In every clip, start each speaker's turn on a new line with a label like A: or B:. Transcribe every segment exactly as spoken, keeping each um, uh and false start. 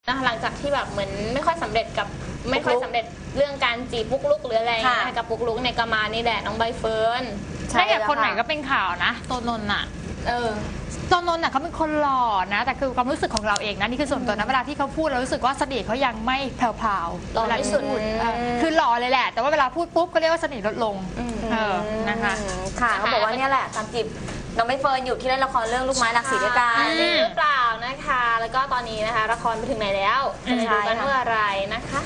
A: นะคะหลังจากที่แบบเหมือนไม่ค่อยสำเร็จกับไม่ค่อยสำเร็จเรื่องการจีบปุ๊กลุกหรืออะไรนะคะกับปุ๊กลุกในกามานี่แหละน้องใบเฟิร์น
B: ใช่กับคนไหนก็เป็นข่าวนะโตนนท์อ่ะ
A: เออ
B: โตนนท์อ่ะเขาเป็นคนหล่อนะแต่คือความรู้สึกของเราเองนะนี่คือส่วนตัวนะเวลาที่เขาพูดเรารู้สึกว่าเสน่ห์เขายังไม่แผ่วๆ
A: หล่อที่สุด
B: คือหล่อเลยแหละแต่ว่าเวลาพูดปุ๊บก็เรียกว่าเสน่ห์ลดลงเออนะคะ
C: ค่ะเขาบอกว่าเนี่ยแหละตามจีบน้องใบเฟิร์นอยู่ที่เล่นละครเรื่องลูกไม้หลักสีด้วยกัน
A: หรือเปล่านะคะแล้วก็ตอนนี้นะคะละครไปถึงไหนแล้วจะได้ดูกันเมื่อไรนะคะ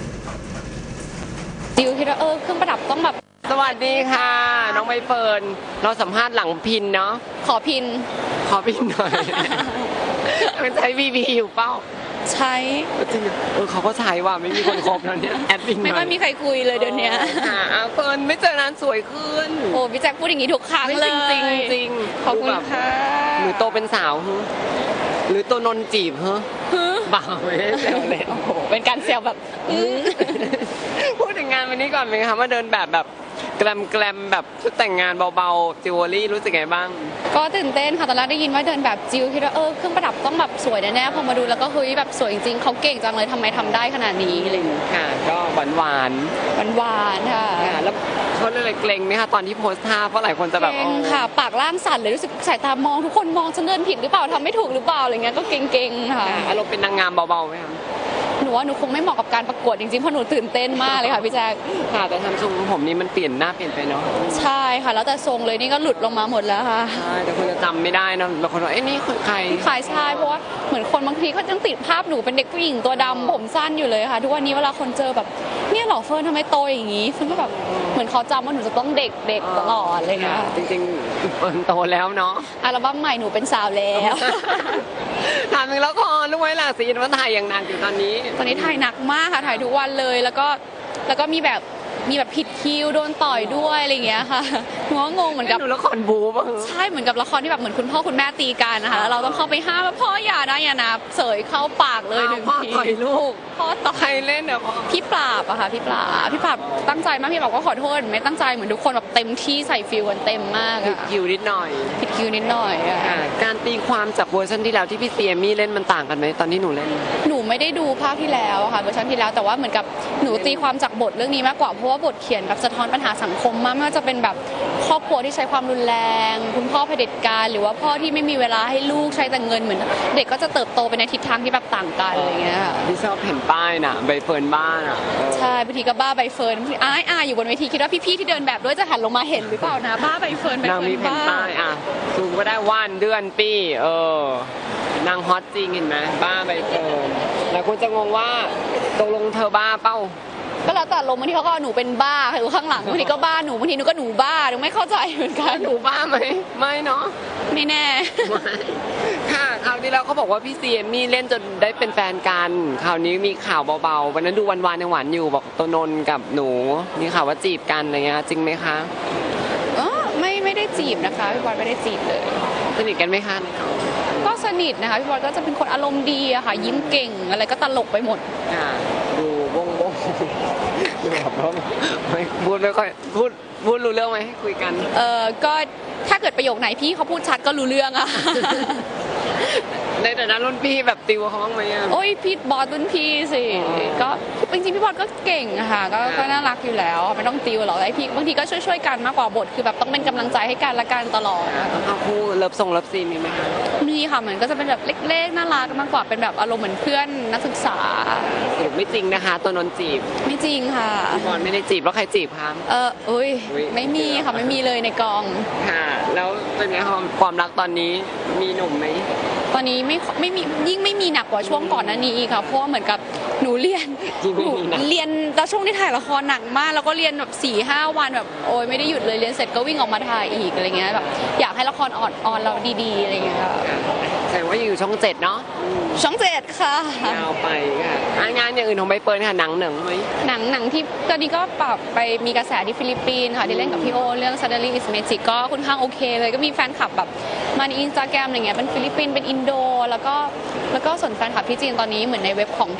D: ดิวคิดว่าเออเครื่องประดับต้องแบบ
E: สวัสดีค่ะน้องใบเฟิร์นเราสัมภาษณ์หลังพินเนาะ
D: ขอพิน
E: ขอพินหน่อยมันใช้บีบีอยู่เป้า
D: ใช้
E: เออเขาก็ใช้ว่าไม่มีคนคบแล้วเนี่ยแอดมิน
D: ไม่ค่อยมีใครคุยเลยเดี๋ยวนี้
E: เฟิร์นไม่เจอนานสวยขึ้น
D: โอ้พี่แจ็คพูดอย่างนี้ทุกครั้งเลย
E: จริงจริง
D: ขอบคุณค่ะ
E: หรือโตเป็นสาวหรือตัวนนจีบเฮ้บ่าวไม่ได้เซลเลย
D: โอ้โหเป็นการเซลแบบ
E: พูดถึงงานวันนี้ก่อนไหมคะมาเดินแบบแบบแกลมแกลมแบบชุดแต่งงานเบาๆจิวเวลรี่รู้สึกไงบ้าง
D: ก็ตื่นเต้นค่ะตอนแรกได้ยินว่าเดินแบบจิวคิดว่าเออเครื่องประดับต้องแบบสวยแน่ๆพอมาดูแล้วก็เฮ้ยแบบสวยจริงๆเขาเก่งจังเลยทำไมทำได้ขนาดนี้อะไรอย่างเงี้ย
E: ค่ะก็หวานหวาน
D: หวานหวานค่ะ
E: แล้วเขาเลยเกรงไหมคะตอนที่โพสท่าเพราะหลายคนจะแบบ
D: เกรงค่ะปากล่างสั่นเลยรู้สึกสายตามองทุกคนมองฉันเดินผิดหรือเปล่าทำไม่ถูกหรือเปล่าอะไรเงี้ยก็เกรงๆค่ะ
E: อารมณ์เป็นนางงามเบาๆไหมคะ
D: หนูว่าหนูคงไม่เหมาะกับการประกวดจริงๆเพราะหนูตื่นเต้นมากเลยค่ะพี่แจ๊ค
E: ค่ะแต่ทำทรงผมนี้มันเปลี่ยนหน้าเปลี่ยนไปเนาะ
D: ใช่ค่ะแล้วแต่ทรงเลยนี่ก็หลุดลงมาหมดแล้วค่ะ
E: ใช่แต่คนจะจำไม่ได้นะบางคนว่าเอ้ยนี่คือใคร
D: ใครใช่เพราะว่าเหมือนคนบางทีเขายังติดภาพหนูเป็นเด็กผู้หญิงตัวดำผมสั้นอยู่เลยค่ะทุกวันนี้เวลาคนเจอแบบเนี่ยหล่อเฟิร์นทำไมโตอย่างนี้เฟิร์นก็แบบเหมือนเขาจำว่าหนูจะต้องเด็กเด็กตลอดอะไรเงี้ย
E: จริงๆเฟิร์นโตแล้วเนาะ
D: อัลบั้มใหม่หนูเป็นสาวแล้ว
E: ถามถึงละครลูกไม้หลากสีว่าถ่ายอย่างหนักอยู่ตอนนี้
D: ตอนนี้ถ่ายหนักมากค่ะถ่ายทุกวันเลยแล้วก็แล้วก็มีแบบมีแบบผิดคิวโดนต่อยด้วยอะไรอย่างเงี้ยค่ะหนูก็งงเหมือนกับ
E: ดูละครบู๊ป่ะ
D: ใช่เหมือนกับละครที่แบบเหมือนคุณพ่อคุณแม่ตีกันนะคะแล้วเราต้องเข้าไปห้ามว่าพ่ออย่านะอย่านะเสยเข้าปากเลยหนึ่งที
E: พ่อต่อยลูก
D: พ่อต่อย
E: ใครเล่นเนี่ย
D: พี่ปราบอะค่ะพี่ปราบพี่ปราบตั้งใจมากพี่บอกก็ขอโทษไม่ตั้งใจเหมือนทุกคนแบบเต็มที่ใส่ฟิลกันเต็มมาก
E: ผิดคิวนิดหน่อย
D: ผิดคิวนิดหน่อยอะ
E: การตีความจากเวอร์ชันที่แล้วที่พี่เซียมี่เล่นมันต่างกันไหมตอนที่หนูเล่น
D: หนูไม่ได้ดูภาคที่แล้วค่ะเวอร์ชันที่แล้วแต่ว่าเหมือนกับหนูตีความจากบทเรื่องนี้มากกว่าเพราะว่าบทเขียนแบบสะท้อนปัญหาสังคมมากไม่ว่าจะเป็นแบบครอบครัวที่ใช้ความรุนแรงคุณพ่อเผด็จการหรือว่าพ่อที่ไม่มีเวลาให้ลูกใช้แต่เงินเหมือนเด็กก็จะเติบโตไปในทิศทางที่แบบต่างกันอะไรเงี้ย
E: พี่ชอบเห็นป้ายน่ะใบเฟิร์นบ้านอ่ะ
D: ใช่บางทีก็บ้าใบเฟิร์นอ้ายอาอยู่บนเวทีคิดว่าพี่ๆที่เดินแบบด้วยจะหันลงมาเห็นหรือเปล่านะบ้าใบเฟิร์นใบเฟิร์นบ้า
E: ป้ายอ่ะซูมก็ได้วันเดือนปีเออนางฮอตจริงเห็นไหมบ้าใบเฟิร์นหลายคนจะงงว่าตกลงเธอบ้าเป้า
D: ก็แล้วแต่ลมบางทีเขาก็หนูเป็นบ้าอยู่ข้างหลังบางทีก็บ้าหนูบางทีหนูก็หนูบ้าหนูไม่เข้าใจเหมือนกัน
E: หนูบ้าไหมไม่เนาะ
D: ไม่แน่
E: ค่ะคราวที่แล้วเขาบอกว่าพี่ซีเอมมี่เล่นจนได้เป็นแฟนกันคราวนี้มีข่าวเบาๆวันนั้นดูวันๆยังหวานอยู่บอกตัวนนกับหนูมีข่าวว่าจีบกันอะไรเงี้ยจริงไหมคะ
D: อ๋อไม่ไม่ได้จีบนะคะพี่บอลไม่ได้จีบเลย
E: สนิทกันไหมคะ
D: ก็สนิทนะคะพี่บอลก็จะเป็นคนอารมณ์ดีอะค่ะยิ้มเก่งอะไรก็ตลกไปหมด
E: ดูบงบงดูแบบว่าไม่พูดไม่ค่อยพูดพูดรู้เรื่องไหมคุยกัน
D: เออก็ถ้าเกิดประโยคไหนพี่เขาพูดชัดก็รู้เรื่องอะ
E: ในแต่นั้นรุ่นพี่แบบติวเขาบ้างไหมอ่ะ
D: โอ้ยพี่บอสรุ่นพี่สิก็จริงๆพี่บอสก็เก่งค่ะก็ก็น่ารักอยู่แล้วไม่ต้องติวหรอกไอพี่บางทีก็ช่วยๆกันมากกว่าบทคือแบบต้องเป็นกำลังใจให้กันละกันตลอด
E: เอาคู่เลิฟส่งเลิฟซีนมีไหมคะ
D: มีค่ะเหมือนก็จะเป็นแบบเล็กๆน่ารักมากกว่าเป็นแบบอารมณ์เหมือนเพื่อนนักศึกษา
E: สรุปไม่จริงนะคะตัวนนจีบ
D: ไม่จริงค่ะ
E: พี่บอลไม่ได้จีบแล้วใครจีบคะ
D: เอออุ้ยไม่มีค่ะไม่มีเลยในกอง
E: ค่ะแล้วเป็นไงความรักตอนนี้มีหนุ่มไหม
D: ตอนนี้ไม่ไม่มียิ่งไม่มีหนักกว่าช่วงก่อนหน้านี้อีกค่ะเพราะว่าเหมือนกับหนูเรียนหนูเรียนแล้วช่วงที่ถ่ายละครหนักมากแล้วก็เรียนแบบสี่ห้าวันแบบโอ้ยไม่ได้หยุดเลยเรียนเสร็จก็วิ่งออกมาถ่ายอีกอะไรเงี้ยแบบอยากให้ละครออนออนเราดีๆอะไรเงี้ย
E: แสดงว่าอยู่ช่องเจ็ดเนาะ
D: ช่องเจ็ดค่ะ
E: ยาวไปค่ะงานอย่างอื่นของใบเฟิร์นค่ะหนังหนังไหม
D: หนังหนังที่ตอนนี้ก็ปรับไปมีกระแสที่ฟิลิปปินส์ค่ะที่เล่นกับพี่โอเรื่อง Suddenly Is Magic ก็ค่อนข้างโอเคเลยก็มีแฟนคลับแบบมาในอินสตาแกรมอะไรเงี้ยเป็นฟิลิปปินส์เป็นอินโดแล้วก็แล้วก็ส่วนแฟนคลับที่จีนตอนนี้เหมือนในเว็บของที่จีนมี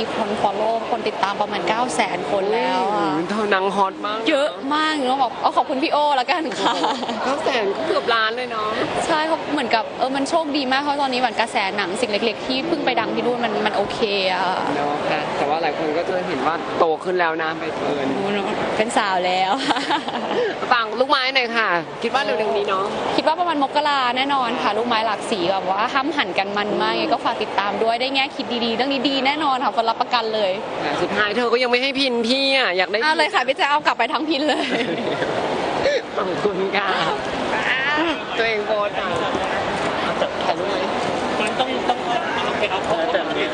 D: คน follow คนติดตามประมาณ เก้าแสน คนแล้วอะ
E: เธอนางฮอตมาก
D: เยอะมากหนูต้องบอกเอาขอบคุณพี่โอแล้วกันค่ะ
E: เก้าแสนก็เกือบล้านเลยเนาะ
D: ใช่เขาเหมือนกับเออมันโชคดีมากเพราะตอนนี้เหมือนกระแสหนังสิ่งเล็ก ๆ ที่เพิ่งไปดังที่นู่นมันมันโอเคอะ
E: เนาะค่ะแต่ว่าหลายคนก็จะเห็นว่าโตขึ้นแล้วนะใบเฟิร์น
D: หนูเป็นสาวแล้ว
E: ฟังลูกไม้หน่อยค่ะ คิดว่าเร็วๆนี้เนาะ
D: คิดว่าประมาณมกราแน่นอนค่ะลูกไม้หลากสีแบบว่าห้ามหันกันมันมากไงก็ฝากติดตามด้วยได้แง่คิดดีๆเรื่องนี้ดีแน่นอนค่ะคนรับประกันเลย
E: แต่สุดท้ายเธอก็ยังไม่ให้พินพี่อ่ะอยากได้
D: เอาเลยค่ะพี่แจะเอากลับไปทั้งพินเลย
E: ขอบคุณค่ะตัวเองโพสต์อ่ะถ่ายรูปไหม
F: มันต้องต้องเอาไปเอาของแต่มัน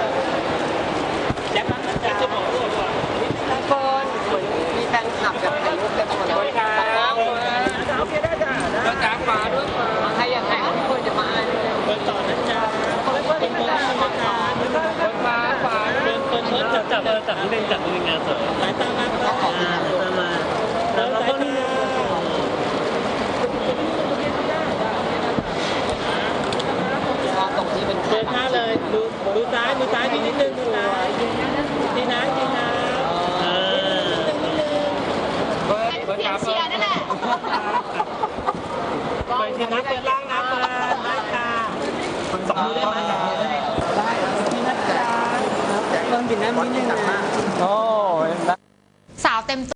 F: ยักษ์มันจะจะบอกด้วยว่า
E: ทุกคนเหมือนมีแฟนคลับแบบถ่ายรูปเต็มหมดเลย
F: ครับโอเคได้จ้ะแล้วจ้าฟ้าด้วยฟ้า
E: ใครอยากถ่ายรูปคนจะมาอ่านเลย
F: เปิดต่อนะจ๊ะเปิดเปิดเปิดฟ้าฟ้าฟ้าเปิดเปิดเปิดจับจับจับนิดนึงจับนิดนึงงานสดสายตามาตามาแล้วก็นี่เดินหน้าเลยดูดูซ้ายดูซ้ายนิดนึงดูซ้ายดีนะดีนะเออเปิดเปิดเชียร์นั่นแหละเปิดเชียร์นะเปิดล่างนะเปิดได้ค่ะสองมือได้ไหมได้นี่นะจ๊ะเพิ่มบินน้ำนิดนึงนะโอ้
B: สาวเต็ม